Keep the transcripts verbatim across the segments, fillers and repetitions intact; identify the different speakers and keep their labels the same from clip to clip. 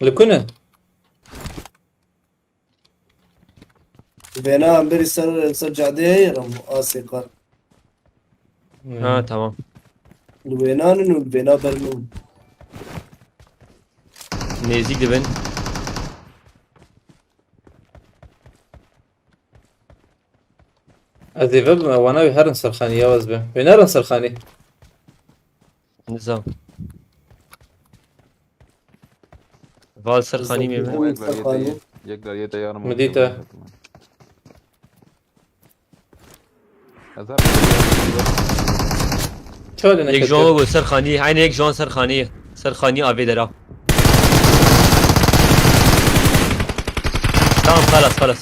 Speaker 1: لكنا
Speaker 2: Bena amberi sar sarcade yaram asikar.
Speaker 3: Ha tamam.
Speaker 2: Bena nunu bena bernu.
Speaker 3: Nezikti ben.
Speaker 1: هذه فب وانا بهرن سرخاني يا وزبه بنرن سرخاني
Speaker 3: Nizam. Val Sarkhani mi?
Speaker 2: Nizam.
Speaker 4: एक बार ये तैयार एक बार ये तैयार मत
Speaker 1: مديته
Speaker 4: अजहर
Speaker 1: شو اللي
Speaker 3: Ek
Speaker 1: نكتب
Speaker 3: Jean bu Sarkhani. Aynı ek Jean Sarkhani. Sarkhani abi dera. Tamam خلاص خلاص.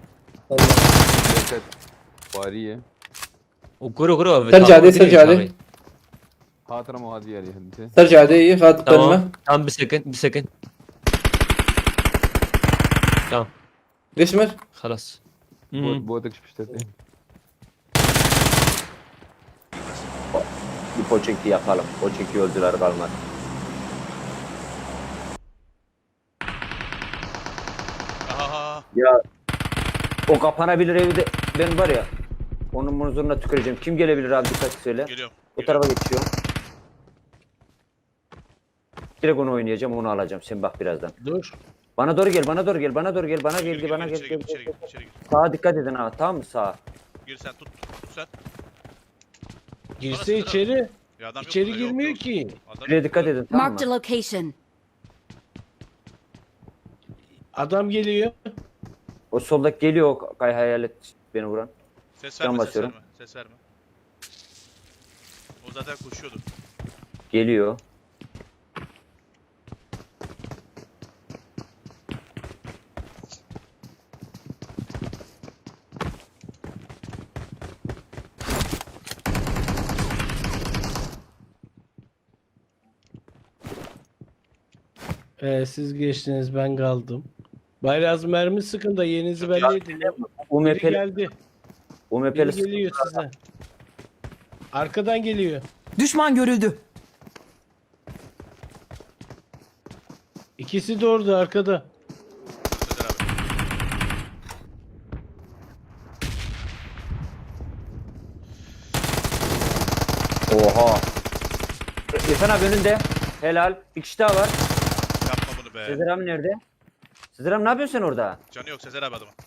Speaker 4: वारी है
Speaker 3: وكرو كرو.
Speaker 1: ترجع دي ترجع دي
Speaker 4: خاطر مواد यारी हमसे
Speaker 1: ترجع دي خاط قمة
Speaker 3: Tamam. Tamam bir second bir second. Tamam.
Speaker 1: ليش مر؟
Speaker 3: خلاص.
Speaker 4: बहुत बहुत एक्सपेक्टेड थे
Speaker 5: Bir poçinki yakalım. Poçinki öldüler kalmadı.
Speaker 6: Aha.
Speaker 5: Ya o kapanabilir evde ben var ya onun muzuruna tüküreceğim. Kim gelebilir abi dikkat söyle.
Speaker 6: Geliyorum.
Speaker 5: O tarafa geçiyor. Direkt onu oynayacağım onu alacağım. Sen bak birazdan.
Speaker 7: Dur.
Speaker 5: Bana doğru gel bana doğru gel bana doğru gel bana
Speaker 6: Gir,
Speaker 5: gel
Speaker 6: gir,
Speaker 5: bana
Speaker 6: gir,
Speaker 5: gel
Speaker 6: içeri
Speaker 5: gel.
Speaker 6: gir, içeri
Speaker 5: gel.
Speaker 6: gir, içeri gir.
Speaker 5: Sağa dikkat edin ha tamam mı sağa?
Speaker 6: Gir sen tut, tut, tut sen.
Speaker 7: Girse içeri.
Speaker 6: Ya adam yok
Speaker 7: İçeri
Speaker 6: burada, yok,
Speaker 7: girmiyor
Speaker 6: yok.
Speaker 7: ki.
Speaker 6: Adam
Speaker 5: Şuraya
Speaker 6: yok
Speaker 5: dikkat
Speaker 6: burada.
Speaker 5: edin tamam
Speaker 8: Marked a
Speaker 5: mı?
Speaker 8: location.
Speaker 7: Adam geliyor.
Speaker 5: O soldaki geliyor o kay hayalet beni vuran.
Speaker 6: Ses
Speaker 5: Can
Speaker 6: verme, ses
Speaker 5: basıyorum.
Speaker 6: verme, ses verme. O zaten koşuyordu.
Speaker 5: Geliyor.
Speaker 7: Ee, siz geçtiniz ben kaldım. Bayraz mermi sıkın da yerinizi belli edin. Biri
Speaker 5: UMP'li
Speaker 7: geldi. Biri
Speaker 5: UMP'li
Speaker 7: geliyor size. Arkadan geliyor.
Speaker 9: Düşman görüldü.
Speaker 7: İkisi de orada arkada.
Speaker 6: Sezer abi.
Speaker 5: Oha. İrfan abi önünde. Helal. Bir kişi daha var.
Speaker 6: Yapma bunu be.
Speaker 5: Sezer abi nerede? Sezer abi ne yapıyorsun sen orada?
Speaker 6: Canı yok Sezer abi adamın.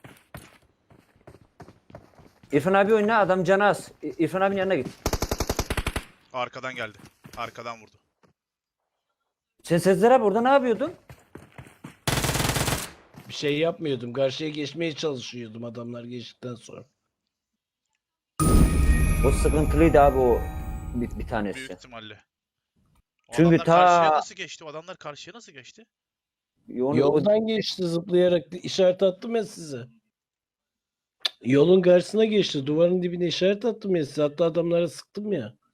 Speaker 5: İrfan abi oyna adam canı az. İ- İrfan abinin yanına git.
Speaker 6: Arkadan geldi. Arkadan vurdu.
Speaker 5: Sen Sezer abi orada ne yapıyordun?
Speaker 7: Bir şey yapmıyordum. Karşıya geçmeye çalışıyordum adamlar geçtikten sonra.
Speaker 5: O sıkıntılıydı abi o bir, bir
Speaker 6: Büyük
Speaker 5: tanesi.
Speaker 6: ihtimalle. O
Speaker 5: Çünkü
Speaker 6: adamlar
Speaker 5: ta-
Speaker 6: karşıya nasıl geçti? O adamlar karşıya nasıl geçti?
Speaker 5: Onu, o,
Speaker 7: Yoldan geçti zıplayarak işaret attım ya size. Yolun karşısına geçti. Duvarın dibine işaret attım ya size. Hatta adamlara sıktım ya.